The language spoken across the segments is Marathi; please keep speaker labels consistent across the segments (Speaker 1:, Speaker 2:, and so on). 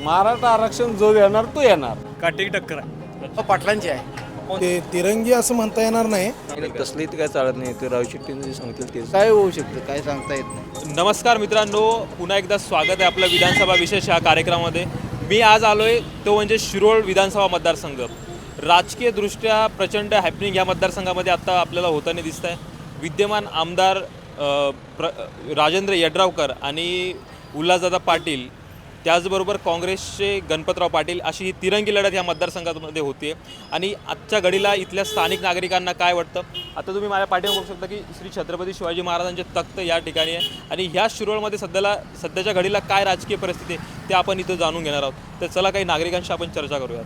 Speaker 1: मराठा आरक्षण जो येणार तो येणार.
Speaker 2: काटेकी टक्कर आहे.
Speaker 3: पाटलांची आहे.
Speaker 4: ते तिरंगी असं म्हणता येणार नाही.
Speaker 1: तसली काय चालत नाही. ते राव शेट्टी सांगतील ते
Speaker 3: काय होऊ शकतं काय सांगता येत नाही.
Speaker 2: नमस्कार मित्रांनो, पुन्हा एकदा स्वागत आहे आपलं विधानसभा विशेष या कार्यक्रमामध्ये. मी आज आलोय तो म्हणजे शिरोळ विधानसभा मतदारसंघ. राजकीयदृष्ट्या प्रचंड हॅपनिंग या मतदारसंघामध्ये आता आपल्याला होताना दिसत आहे. विद्यमान आमदार राजेंद्र यड्रावकर आणि उल्हासदादा पाटील, त्याचबरोबर काँग्रेसचे गणपतराव पाटील, अशी ही तिरंगी लढत या मतदारसंघामध्ये होते. आणि आजच्या घडीला इथल्या स्थानिक नागरिकांना काय वाटतं, आता तुम्ही माझ्या पाठीवर बघू शकता की श्री छत्रपती शिवाजी महाराजांचे तख्त या ठिकाणी आहे. आणि ह्या शिरोळमध्ये सध्याच्या घडीला काय राजकीय परिस्थिती आहे ते आपण इथं जाणून घेणार आहोत. तर चला काही नागरिकांशी आपण चर्चा करूयात.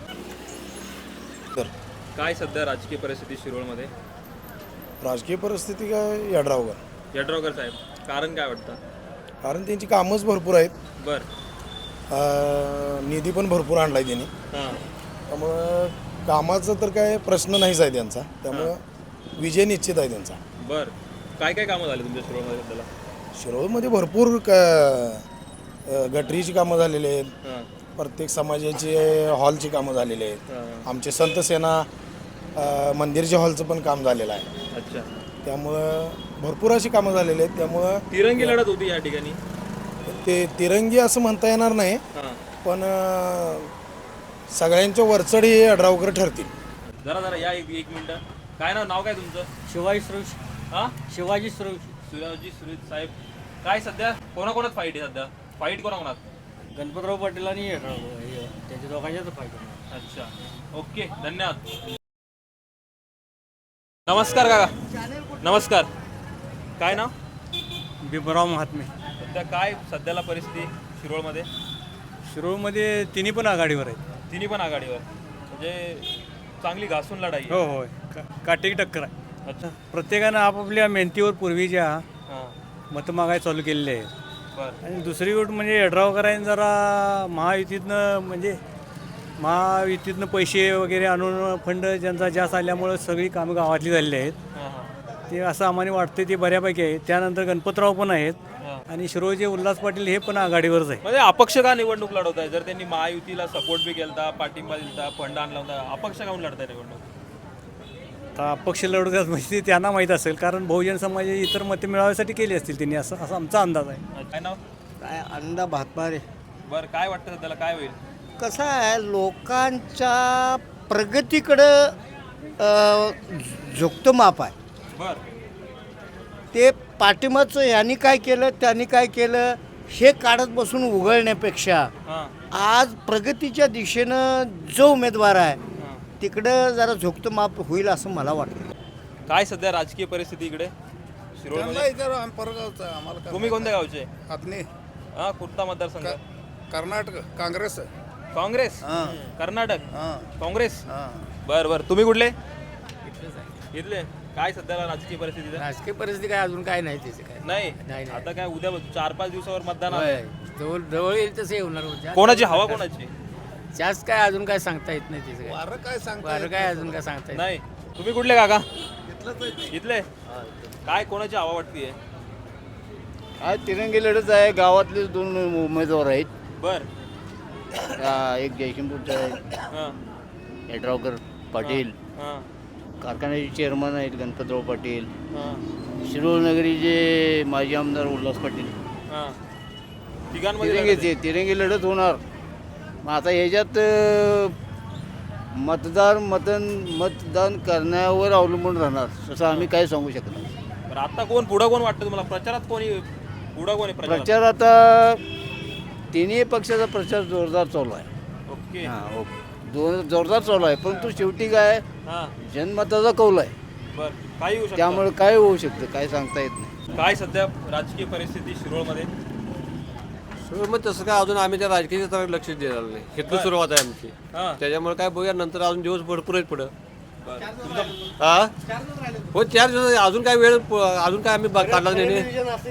Speaker 4: तर
Speaker 2: काय सध्या राजकीय परिस्थिती शिरोळमध्ये?
Speaker 4: राजकीय परिस्थिती काय यड्रावकर,
Speaker 2: यड्रावकर साहेब, कारण काय वाटतं?
Speaker 4: कारण त्यांची कामच भरपूर आहेत.
Speaker 2: बरं.
Speaker 4: निधी पण भरपूर आणला आहे त्यांनी.
Speaker 2: हां.
Speaker 4: त्यामुळं कामाचा तर काय प्रश्न नाहीच आहे त्यांचा. त्यामुळं विजय निश्चित आहे त्यांचा.
Speaker 2: बरं. काय काय कामं झाली तुमच्या शिरोळमध्ये सध्याला?
Speaker 4: शिरोळमध्ये भरपूर गटरीची कामं झालेली आहेत.
Speaker 2: हां.
Speaker 4: प्रत्येक समाजाचे हॉलची कामं झालेली आहेत.
Speaker 2: हां.
Speaker 4: आमचे संत सेना मंदिरच्या हॉलचं पण काम झालेलं आहे.
Speaker 2: अच्छा.
Speaker 4: त्यामुळं भरपूर अशी कामं झालेली आहेत. त्यामुळं
Speaker 2: तिरंगी लढत होती या ठिकाणी.
Speaker 4: ते तिरंगी असं म्हणता येणार नाही.
Speaker 2: हां.
Speaker 4: पण सगळ्यांच्या वरचढ हे यड्रावकर ठरतील.
Speaker 2: जरा या एक मिनिट. काय नाव काय तुमचं?
Speaker 5: शिवाजी सुरेश.
Speaker 2: हां.
Speaker 5: शिवाजी सुरेश.
Speaker 2: शिवाजी सुरेश साहेब, काय सध्या कोणाकोणात फाईट आहे? सध्या फाईट कोणाकोणात?
Speaker 5: गणपतराव पाटील आणि त्यांच्या दोघांच्याच फायदा.
Speaker 2: अच्छा, ओके, धन्यवाद. नमस्कार काका. नमस्कार. काय नाव?
Speaker 5: बिबराव महात्मे.
Speaker 2: सध्या काय सध्याला परिस्थिती शिरोळमध्ये?
Speaker 5: शिरोळमध्ये तिन्ही पण आघाडीवर आहेत.
Speaker 2: तिन्ही पण आघाडीवर, म्हणजे चांगली घासून लढाई आहे.
Speaker 5: हो होय, काटेकी टक्कर आहे.
Speaker 2: अच्छा.
Speaker 5: प्रत्येकानं आपापल्या मेहनतीवर पूर्वीच्या
Speaker 2: हां.
Speaker 5: मतं मागायला चालू केलेले आहेत.
Speaker 2: बरं.
Speaker 5: आणि दुसरी गोष्ट म्हणजे यड्रावकरांनी जरा महायुतीतनं पैसे वगैरे आणून फंड ज्यांचा जास्त आल्यामुळं सगळी कामं गावातली झालेली आहेत.
Speaker 2: हां हां
Speaker 5: ते असं आम्हाला वाटतं ते बऱ्यापैकी आहे. त्यानंतर गणपतराव पण आहेत
Speaker 2: हां.
Speaker 5: आणि शिरोळचे उल्हास पाटील हे पण आघाडीवरच आहे.
Speaker 2: म्हणजे अपक्ष का निवडणूक लढवत आहे? जर त्यांनी महायुतीला सपोर्ट बी केला, पाठिंबा दिला, फंड आणला होता, अपक्ष काहून लढताय निवडणूक?
Speaker 5: आता अपक्ष लढवतात म्हणजे ते त्यांना माहीत असेल, कारण बहुजन समाजाची इतर मते मिळवण्यासाठी केली असतील त्यांनी, असं आमचा अंदाज आहे.
Speaker 2: काय नाव?
Speaker 3: काय अंदा भातमारे.
Speaker 2: बरं, काय वाटतं त्याला काय होईल?
Speaker 3: कसं आहे, लोकांच्या प्रगतीकडं झुकतं माप आहे.
Speaker 2: बरं.
Speaker 3: ते पाठिंबाचं यांनी काय केलं त्यांनी काय केलं हे काढत बसून उघडण्यापेक्षा
Speaker 2: हां
Speaker 3: आज प्रगतीच्या दिशेनं जो उमेदवार आहे
Speaker 2: हां.
Speaker 3: तिकडं जरा झुकतं माप होईल असं मला वाटतं.
Speaker 2: काय सध्या राजकीय परिस्थिती इकडे शिरोळमध्ये? तुम्ही कोणत्या गावचे? हां, कुठला मतदारसंघ?
Speaker 4: कर्नाटक काँग्रेस.
Speaker 2: काँग्रेस. कर्नाटक काँग्रेस. बरं. तुम्ही कुठले? इथले. काय सध्याला राजकीय परिस्थिती?
Speaker 6: राजकीय परिस्थिती काय अजून काय नाही त्याचे काय
Speaker 2: नाही.
Speaker 6: नाही.
Speaker 2: आता काय उद्या 4-5 दिवसावर मतदान आहे.
Speaker 6: होय. जवळ येईल तसं होणार होतं.
Speaker 2: कोणाची हवा कोणाची?
Speaker 6: जास्त काय अजून काय सांगता येत नाही त्याचं काय वारं काय अजून काय सांगता येत
Speaker 2: नाही. तुम्ही कुठले काका? इथले. काय कोणाची हवा वाटतीये?
Speaker 3: काय तिरंगी लढत आहे. गावातले 2 उमेदवार आहेत.
Speaker 2: बर.
Speaker 3: एक जयसिंगपूरचा आहे
Speaker 2: हां
Speaker 3: यड्रावकर पाटील.
Speaker 2: हां
Speaker 3: कारखान्याचे चेअरमन आहेत गणपतराव पाटील.
Speaker 2: हां
Speaker 3: शिरोळ नगरीचे माजी आमदार उल्हास पाटील.
Speaker 2: हां. तिघांमध्ये लढत आहे.
Speaker 3: तिरंगी लढत होणार. मग आता ह्याच्यात मतदान करण्यावर अवलंबून राहणार, तसं आम्ही काय सांगू शकत नाही.
Speaker 2: बरं, आता पुढं कोण वाटतं तुम्हाला? प्रचारात पुढं कोणी
Speaker 3: प्रचार आता तिन्ही पक्षाचा प्रचार जोरदार चालू आहे.
Speaker 2: ओके.
Speaker 3: हां, जोरदार चालू आहे. परंतु शेवटी काय
Speaker 2: हां.
Speaker 3: जनमताचा कौल आहे.
Speaker 2: बरं, काही होऊ शकतं.
Speaker 3: त्यामुळे काय होऊ शकतं काय सांगता येत नाही.
Speaker 2: काय सध्या राजकीय परिस्थिती शिरोळमध्ये?
Speaker 7: मग तसं काय अजून आम्ही त्या राजकीय क्षेत्राकडे लक्ष देणार नाही. इथली सुरुवात आहे आमची.
Speaker 2: हां.
Speaker 7: त्याच्यामुळे काय बघूया नंतर, अजून दिवस भरपूर आहेत पुढं.
Speaker 2: बरं. तुमचं
Speaker 7: हा हो, 4 दिवस अजून काय वेळ, अजून काय आम्ही काढला नाही.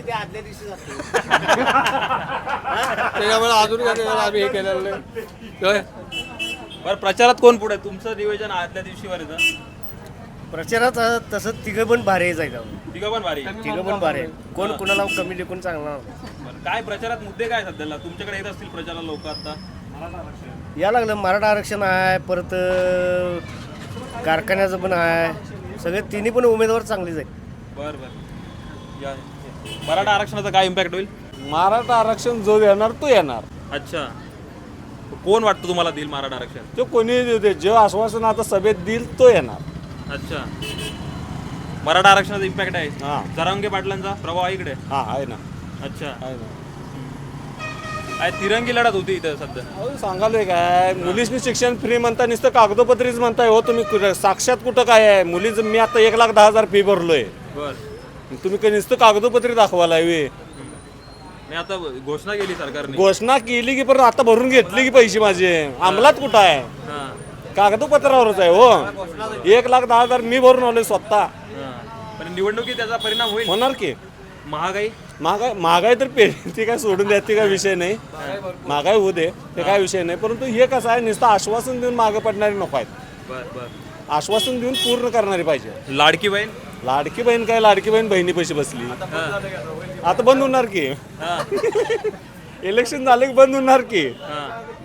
Speaker 7: त्याच्यामुळे अजून काय आम्ही हे केलेलं नाही.
Speaker 2: बरं, प्रचारात कोण पुढे? तुमचं नियोजन आदल्या दिवशीवर येतं?
Speaker 8: प्रचारात तसं तिघं पण भारी जायचं.
Speaker 2: तिघं पण भारी.
Speaker 8: तिघं पण भारी. कोण कुणाला कमी लेखून चांगला.
Speaker 2: बरं, काय प्रचारात मुद्दे काय सध्याला तुमच्याकडे येत असतील प्रचाराला लोक आता?
Speaker 8: या लागलं मराठा आरक्षण आहे, परत कारखान्याचं पण आहे. सगळे तिन्ही पण उमेदवार चांगलेच आहेत.
Speaker 2: बर बर या मराठा आरक्षणाचा काय इम्पॅक्ट होईल?
Speaker 1: मराठा आरक्षण जो देणार तो येणार.
Speaker 2: अच्छा, कोण वाटतं तुम्हाला देईल मराठा आरक्षण?
Speaker 1: तो कोणी देते जे आश्वासन आता सभेत देईल तो येणार.
Speaker 2: अच्छा, मराठा आरक्षणाचा इम्पॅक्ट आहे.
Speaker 1: हा.
Speaker 2: जरांगे पाटलांचा प्रभाव आहे इकडे.
Speaker 1: हा आहे ना,
Speaker 2: अच्छा,
Speaker 1: आहे ना.
Speaker 2: काय तिरंगी लढत होती इथं सध्या.
Speaker 1: अहो सांगालोय काय, मुलींनी शिक्षण फ्री म्हणता, नुसतं कागदोपत्रीच म्हणताय हो तुम्ही. साक्षात कुठं काय आहे मुलींचं? मी आता 1,10,000 फी भरलोय.
Speaker 2: बर,
Speaker 1: तुम्ही काही नुसतं कागदोपत्री दाखवायला हवी.
Speaker 2: मी आता घोषणा केली सरकारने.
Speaker 1: घोषणा केली की परत आता भरून घेतली की पैसे माझे अंमलात कुठं आहे?
Speaker 2: हा,
Speaker 1: कागदोपत्रावरच आहे हो. 1,10,000 मी भरून आलोय स्वतः.
Speaker 2: हा. पण निवडणुकीत त्याचा परिणाम होईल.
Speaker 1: होणार की
Speaker 2: महागाई
Speaker 1: महागाई तर ती काय सोडून द्या, ती काय विषय नाही. महागाई होऊ दे, ते काय विषय नाही. परंतु हे कसं आहे, नुसतं आश्वासन देऊन मागे पडणारे नको आहेत.
Speaker 2: बर बर.
Speaker 1: आश्वासन देऊन पूर्ण करणारी पाहिजे.
Speaker 2: लाडकी बहीण.
Speaker 1: लाडकी बहीण काय, लाडकी बहीण बहिणी पैसे बसली. आता बंद होणार की.
Speaker 2: हा,
Speaker 1: इलेक्शन झाले की बंद होणार की.
Speaker 2: हा.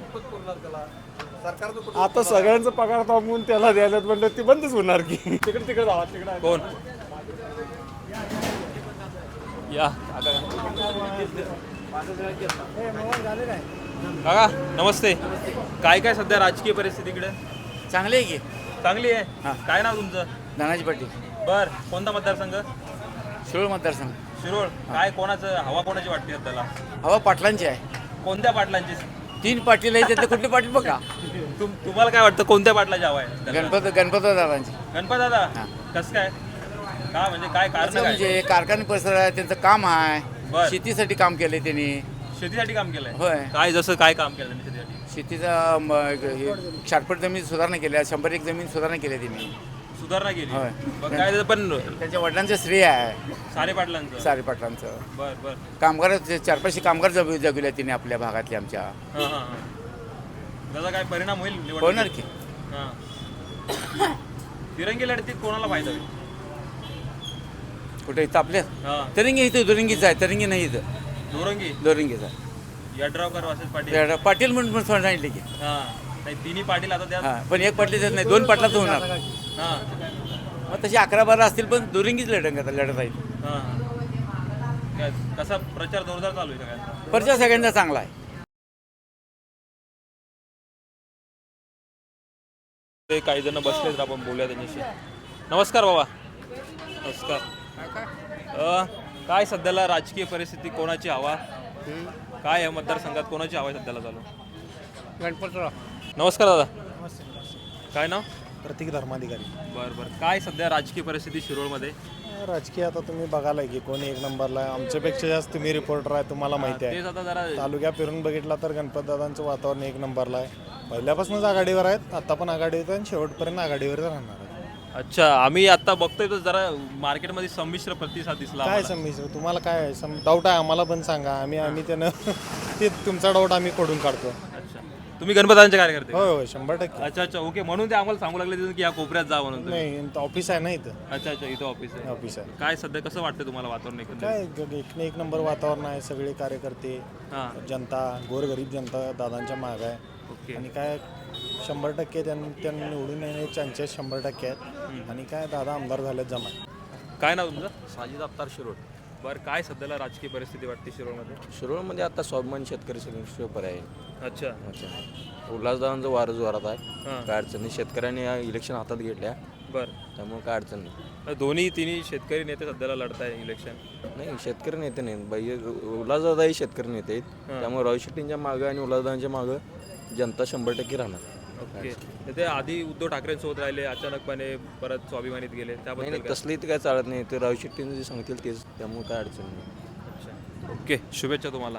Speaker 1: आता सगळ्यांचा पगार थांबवून त्याला द्यायला म्हणलं ती बंदच होणार की. तिकडे जावा, तिकडे
Speaker 2: कोण या काका नमस्ते. काय काय सध्या राजकीय परिस्थिती इकडे?
Speaker 6: चांगले आहे की
Speaker 2: चांगली आहे. काय नाव तुमचं?
Speaker 6: धनाजी पाटील,
Speaker 2: बर, कोणता मतदारसंघ?
Speaker 6: शिरोळ मतदारसंघ.
Speaker 2: शिरोळ. काय कोणाचं हवा कोणाची वाटते त्याला?
Speaker 6: हवा पाटलांची आहे.
Speaker 2: कोणत्या पाटलांची?
Speaker 6: 3 पाटील आहे, त्यातले कुठले पाटील बघा.
Speaker 2: तुम्हाला काय वाटतं कोणत्या पाटलाची हवा आहे त्याला?
Speaker 6: गणपत दादांची.
Speaker 2: गणपत दादा. कसं काय? का म्हणजे काय कारण काय?
Speaker 6: म्हणजे कारखाने परिसर आहे, त्यांचं काम आहे.
Speaker 2: बर.
Speaker 6: शेतीसाठी काम केले त्यांनी.
Speaker 2: शेतीसाठी काम केलंय?
Speaker 6: होय.
Speaker 2: काय जसं काय काम केलं त्यांनी शेतीसाठी?
Speaker 6: शेतीचा शारपट जमीन सुधारणा केल्या, 101 जमीन सुधारणा केल्या त्यांनी.
Speaker 2: सुधारणा केली.
Speaker 6: होय.
Speaker 2: मग काय पण
Speaker 6: त्यांच्या वडिलांचं श्रेय आहे
Speaker 2: सारे पाटलांचं.
Speaker 6: सारे पाटलांचं.
Speaker 2: बर बर.
Speaker 6: कामगार 4-5 कामगार जगविल्या त्यांनी आपल्या भागातले आमच्या.
Speaker 2: हा हा हा. त्याचा काय परिणाम होईल निवडणुकीत?
Speaker 6: होणार की.
Speaker 2: हा. तिरंगी लढतीत कोणाला फायदा होईल?
Speaker 6: कुठे इथं आपल्या
Speaker 2: हा.
Speaker 6: तरंगी इथं दुरंगीचं आहे. तरंगी नाही इथं
Speaker 2: दोरंगी.
Speaker 6: दोरंगीचं आहे.
Speaker 2: यड्रावकर वासेस पाटील.
Speaker 6: पाटील म्हणून सांगितले की.
Speaker 2: हा. नाही तिन्ही पाटील आता त्या.
Speaker 6: हां, पण एक पाटील नाही, 2 पाटलाचं होणार.
Speaker 2: हा
Speaker 6: मग तशी 11-12 असतील, पण दुरंगीच लढत आहे.
Speaker 2: हा. काय कसा प्रचार जोरदार चालू आहे सगळ्यांचा?
Speaker 6: परिचय सगळ्यांचा चांगला आहे.
Speaker 2: ते काही जण बसलेत, आपण बोलूया त्यांच्याशी. नमस्कार बाबा. नमस्कार. काय सध्याला राजकीय परिस्थिती, कोणाची हवा काय आहे मतदारसंघात, कोणाची हवा आहे सध्याला चालू?
Speaker 8: गणपतराव.
Speaker 2: नमस्कार दादा. काय नाव?
Speaker 9: प्रतीक धर्माधिकारी.
Speaker 2: बरं बरं. काय सध्या राजकीय परिस्थिती शिरोळमध्ये?
Speaker 9: राजकीय आता तुम्ही बघायला की कोणी 1 नंबरला आहे. आमच्यापेक्षा जास्त तुम्ही रिपोर्टर आहे, तुम्हाला माहिती आहे.
Speaker 2: तेच आता जरा
Speaker 9: तालुक्यात फिरून बघितला तर गणपतदादांचं वातावरण 1 नंबरला आहे. पहिल्यापासूनच आघाडीवर आहेत, आता पण आघाडीवर आहेत आणि शेवटपर्यंत आघाडीवर राहणार आहे.
Speaker 2: अच्छा, आम्ही आता बघतोय तर जरा मार्केटमध्ये संमिश्र प्रतिसाद दिसला
Speaker 9: काय
Speaker 2: आम्हाला.
Speaker 9: समज तुम्हाला काय डाऊट आहे आम्हाला पण सांगा. आम्ही त्यानं ते तुमचा डाऊट आम्ही खोडून काढतो.
Speaker 2: अच्छा, तुम्ही गणपतांचे कार्यकर्ते?
Speaker 9: होय होय 100%.
Speaker 2: अच्छा अच्छा, ओके. म्हणून ते आम्हाला सांगू लागले की या कोपऱ्यात जा म्हणून तुम्ही.
Speaker 9: नाही ऑफिस आहे ना इथं.
Speaker 2: अच्छा अच्छा, इथं ऑफिस आहे.
Speaker 9: ऑफिस आहे.
Speaker 2: काय सध्या कसं वाटतं तुम्हाला वातावरण एकंदरीत?
Speaker 9: काय 1 नंबर वातावरण आहे. सगळे कार्यकर्ते,
Speaker 2: हां,
Speaker 9: जनता, गोरगरीब जनता दादांच्या माग आहे.
Speaker 2: ओके.
Speaker 9: आणि काय 100% त्यांना निवडून येण्याचे चान्सेस 100% आहेत. आणि काय दादा आमदार झालेत जमा.
Speaker 2: काय नाव तुमचं?
Speaker 1: साजिद अफ्तार शिरोळ.
Speaker 2: बरं, काय सध्याला राजकीय परिस्थिती वाटते शिरोळमध्ये?
Speaker 1: शिरोळमध्ये आता स्वाभिमान शेतकरी शिवपर आहे.
Speaker 2: अच्छा.
Speaker 1: अच्छा, उल्हासदादांचं वारं जोरात आहे.
Speaker 2: हां.
Speaker 1: काय अडचण नाही. शेतकऱ्यांनी या इलेक्शन हातात घेतल्या,
Speaker 2: बरं.
Speaker 1: त्यामुळे काय अडचण नाही.
Speaker 2: दोन्ही तिन्ही शेतकरी नेते सध्याला लढताय इलेक्शन.
Speaker 1: नाही शेतकरी नेते नाहीत बाई, उल्हासदादाही शेतकरी नेते आहेत. त्यामुळे राव शेट्टींच्या मागं आणि उल्हासदादांच्या मागं जनता 100% राहणार.
Speaker 2: ओके. ते आधी उद्धव ठाकरेंसोबत राहिले, अचानकपणे परत स्वाभिमानीत गेले,
Speaker 1: नाही
Speaker 2: त्याबद्दल
Speaker 1: नाही
Speaker 2: काय?
Speaker 1: तसली तर काय चालत नाही. ते राव शेट्टींचं जे सांगतील तेच, त्यामुळे काय अडचण नाही.
Speaker 2: अच्छा, ओके. शुभेच्छा तुम्हाला.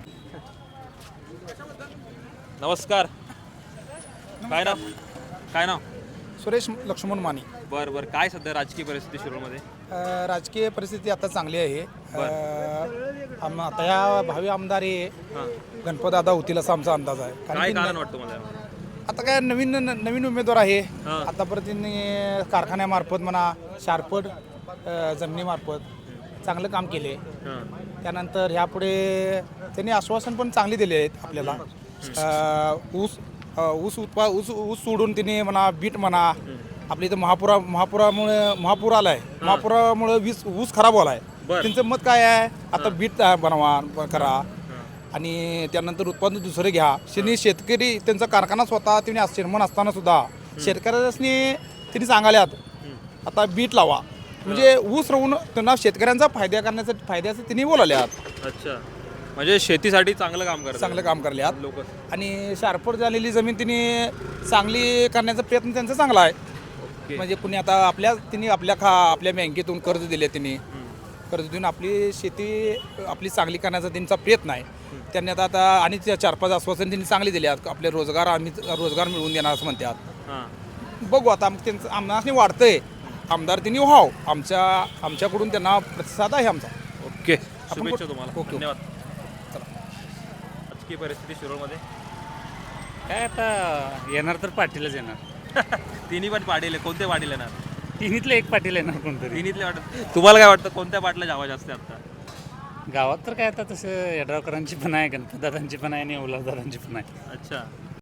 Speaker 2: नमस्कार. काय नाव? काय नाव?
Speaker 10: सुरेश लक्ष्मण माने.
Speaker 2: बरं बरं. काय सध्या राजकीय परिस्थिती शिरोळमध्ये?
Speaker 10: राजकीय परिस्थिती आता चांगली आहे. आता या भावी आमदार हे
Speaker 2: हां.
Speaker 10: गणपतदादा होतील असा आमचा अंदाज आहे.
Speaker 2: काय
Speaker 10: की
Speaker 2: कारण वाटतं मला?
Speaker 10: आता काय नवीन उमेदवार आहे.
Speaker 2: हां.
Speaker 10: आतापर्यंत त्यांनी कारखान्यामार्फत म्हणा, शारपट जमिनीमार्फत चांगलं काम केले.
Speaker 2: हां.
Speaker 10: त्यानंतर ह्यापुढे त्यांनी आश्वासन पण चांगली दिले आहेत आपल्याला. ऊस सोडून तिने म्हणा बीट म्हणा आपल्या इथं महापूर आलाय महापुरामुळे ऊस खराब झालाय. त्यांचं मत काय आहे आता बीट बनवा करा आणि त्यानंतर उत्पादन दुसरं घ्या. त्यांनी शेतकरी त्यांचा कारखाना स्वतः तिने निर्माण असताना सुद्धा शेतकऱ्यांनी तिने सांगाल्यात आता बीट लावा म्हणजे ऊस राहून त्यांना शेतकऱ्यांचा फायद्याचं तिने बोलाल्यात.
Speaker 2: अच्छा, म्हणजे शेतीसाठी चांगलं काम
Speaker 10: करल्यात
Speaker 2: लोक.
Speaker 10: आणि शारपट झालेली जमीन तिने चांगली करण्याचा प्रयत्न त्यांचा चांगला आहे. म्हणजे कुणी आता तिने आपल्या बँकेतून कर्ज दिले तिने कर्ज देऊन आपली शेती चांगली करण्याचा त्यांचा प्रयत्न आहे. त्यांनी आता आणि 4-5 आश्वासन त्यांनी चांगली दिली आपले रोजगार मिळवून देणार असं म्हणतात. बघू आता त्यांचं आम्हाला वाटतंय आमदार त्यांनी व्हावं आमच्याकडून त्यांना प्रतिसाद आहे आमचा.
Speaker 2: ओके, शुभेच्छा तुम्हाला.
Speaker 10: ओके.
Speaker 2: धन्यवाद. राजकीय परिस्थिती शिरोळमध्ये
Speaker 5: काय आता येणार तर पाटीलच येणार.
Speaker 2: तिन्ही पण पाटील, कोणते पाटील येणार?
Speaker 5: तिन्हीतलं एक पाटील येणार कोणतरी.
Speaker 2: तिन्हीतले वाटत. तुम्हाला काय वाटतं कोणत्या पाटला जावा जास्त आता?
Speaker 5: गावात तर काय आता तसं यड्रावकरांची पण आहे, गणपतदादांची पण आहे आणि ओलावदादांची पण आहे.
Speaker 2: अच्छा,